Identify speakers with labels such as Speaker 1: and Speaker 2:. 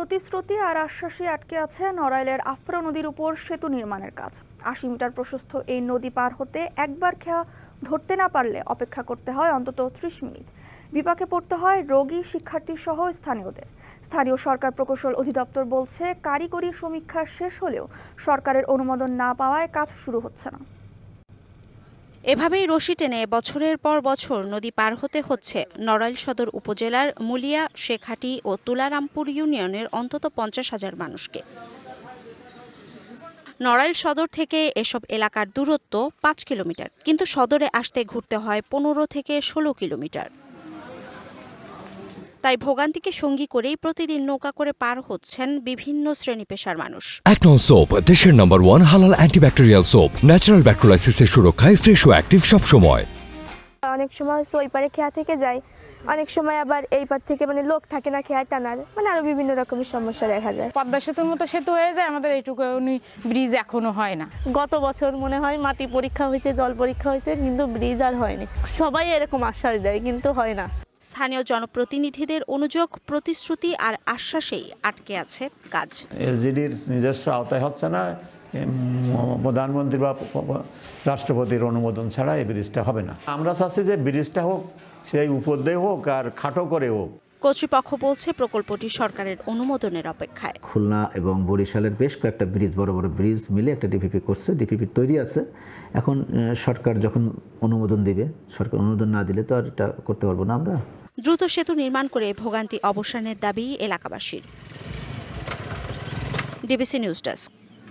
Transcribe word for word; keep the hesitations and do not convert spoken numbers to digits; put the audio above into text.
Speaker 1: প্রতিশ্রুতি আর আশ্বাসে আটকে আছে নড়াইলের আফরা নদীর উপর সেতু নির্মাণের কাজ। আশি মিটার প্রশস্ত এই নদী পার হতে একবার খেয়া ধরতে না পারলে অপেক্ষা করতে হয় অন্তত ত্রিশ মিনিট। বিপাকে পড়তে হয় রোগী, শিক্ষার্থী সহ স্থানীয়দের। স্থানীয় সরকার প্রকৌশল অধিদপ্তর বলছে, কারিগরি সমীক্ষা শেষ হলেও সরকারের অনুমোদন না পাওয়ায় কাজ শুরু হচ্ছে না।
Speaker 2: এভাবেই রশি টেনে বছরের পর বছর নদী পার হতে হচ্ছে নড়াইল সদর উপজেলার মুলিয়া, শেখাটি ও তুলারামপুর ইউনিয়নের অন্তত পঞ্চাশ হাজার মানুষকে। নড়াইল সদর থেকে এসব এলাকার দূরত্ব পাঁচ কিলোমিটার, কিন্তু সদরে আসতে ঘুরতে হয় পনেরো থেকে ষোলো কিলোমিটার। তাই ভোগান্তিকে সঙ্গী করেই প্রতিদিন নৌকা করে পার হচ্ছেন বিভিন্ন শ্রেণী পেশার মানুষ।
Speaker 3: একনন সোপ, দেশের নম্বর ওয়ান হালাল অ্যান্টিব্যাকটেরিয়াল সোপ, ন্যাচারাল ব্যাকটেরিয়ালাইসিসের সুরক্ষায় ফ্রেশ ও অ্যাক্টিভ সব সময়।
Speaker 4: অনেক সময় হচ্ছে ওই পারে খেয়া থেকে যায়, অনেক সময় আবার এই পার থেকে মানে লোক থাকে না খেয়া টানার, মানে আরো বিভিন্ন রকমের সমস্যা দেখা যায়।
Speaker 5: পদ্মা সেতুর মতো সেতু হয়ে যায়, আমাদের এইটুকু ব্রিজ এখনো হয় না।
Speaker 6: গত বছর মনে হয় মাটি পরীক্ষা হয়েছে, জল পরীক্ষা হয়েছে, কিন্তু ব্রিজ আর হয়নি। সবাই এরকম আশ্বাস দেয়, কিন্তু হয় না।
Speaker 2: স্থানীয় জনপ্রতিনিধিদের অনুযোগ, প্রতিশ্রুতি আর আশ্বাসেই আটকে আছে কাজ।
Speaker 7: এলজিডির নিজস্ব আওতায় হচ্ছে না, প্রধানমন্ত্রী বা রাষ্ট্রপতির অনুমোদন ছাড়া এই ব্রিজটা হবে না। আমরা চাচ্ছি যে ব্রিজটা হোক, সেই উপর দিয়ে হোক আর খাটো করে হোক।
Speaker 2: কর্তৃপক্ষ বলছে প্রকল্পটি সরকারের অনুমোদনের অপেক্ষায়।
Speaker 8: খুলনা এবং বরিশালের বেশ কয়েকটা ব্রিজ, বড় বড় ব্রিজ মিলে একটা ডিপিপি করছে, ডিপিপি তৈরি আছে। এখন সরকার যখন অনুমোদন দিবে, সরকার অনুমোদন না দিলে তো আর এটা করতে পারবো না আমরা।
Speaker 2: দ্রুত সেতু নির্মাণ করে ভোগান্তি অবসানের দাবি এলাকাবাসীর। DBC news desk.